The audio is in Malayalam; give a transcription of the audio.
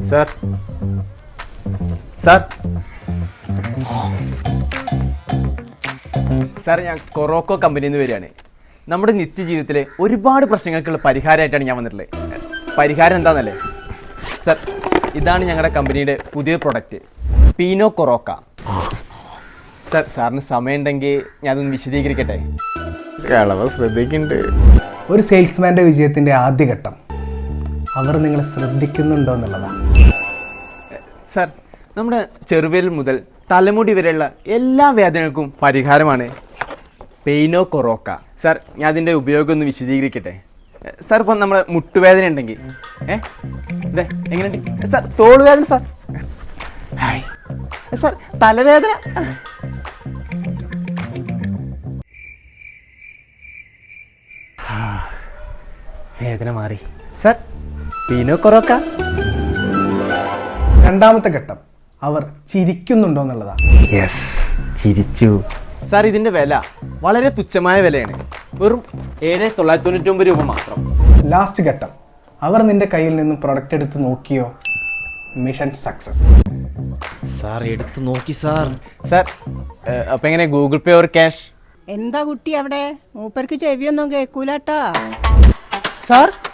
സാർ സാർ സാർ ഞാൻ കൊറോക്കോ കമ്പനിയിൽ നിന്ന് വരികയാണ്. നമ്മുടെ നിത്യജീവിതത്തിലെ ഒരുപാട് പ്രശ്നങ്ങൾക്കുള്ള പരിഹാരമായിട്ടാണ് ഞാൻ വന്നിട്ടുള്ളത്. പരിഹാരം എന്താണെന്നല്ലേ സാർ, ഇതാണ് ഞങ്ങളുടെ കമ്പനിയുടെ പുതിയ പ്രൊഡക്റ്റ് പീനോ കൊറോക്ക. സാർ സാറിന് സമയമുണ്ടെങ്കിൽ ഞാനൊന്ന് വിശദീകരിക്കട്ടെ. കളവ് ശ്രദ്ധിക്കുന്നുണ്ട്. ഒരു സെയിൽസ്മാൻ്റെ വിജയത്തിൻ്റെ ആദ്യഘട്ടം അവർ നിങ്ങളെ ശ്രദ്ധിക്കുന്നുണ്ടോ എന്നുള്ളതാണ്. സാർ, നമ്മുടെ ചെറുവിരൽ മുതൽ തലമുടി വരെയുള്ള എല്ലാ വേദനകൾക്കും പരിഹാരമാണ് പെയിനോ കൊറോക്ക. സാർ, ഞാൻ അതിൻ്റെ ഉപയോഗം ഒന്ന് വിശദീകരിക്കട്ടെ. സാർ, ഇപ്പം നമ്മുടെ മുട്ടുവേദന ഉണ്ടെങ്കിൽ ഇതെ എങ്ങനെയുണ്ട് സാർ? തോളുവേദന സാർ, ഹായ് സാർ, തലവേദന, വേദന മാറി സാർ. പീനോ കൊറോക്ക. രണ്ടാമത്തെ ഘട്ടം അവർ ചിരിക്കുന്നുണ്ടോ എന്നുള്ളതാണ്. യെസ്, ചിരിച്ചു. സാർ, ഇതിൻ്റെ വില വളരെ തുച്ഛമായ വിലയാണ്, വെറും 7,999 രൂപ മാത്രം. ലാസ്റ്റ് ഘട്ടം അവർ നിന്റെ കയ്യിൽ നിന്നും പ്രൊഡക്റ്റ് എടുത്ത് നോക്കിയോ? Mission success. സാർ എടുത്ത് നോക്കി സാർ. സാർ, അപ്പം എങ്ങനെ ഗൂഗിൾ പേ ഓർ ക്യാഷ്? എന്താ കുട്ടി അവിടെ? മൂപ്പർക്ക് ചെവിയൊന്നും കേൾക്കൂലട്ടാ. സാർ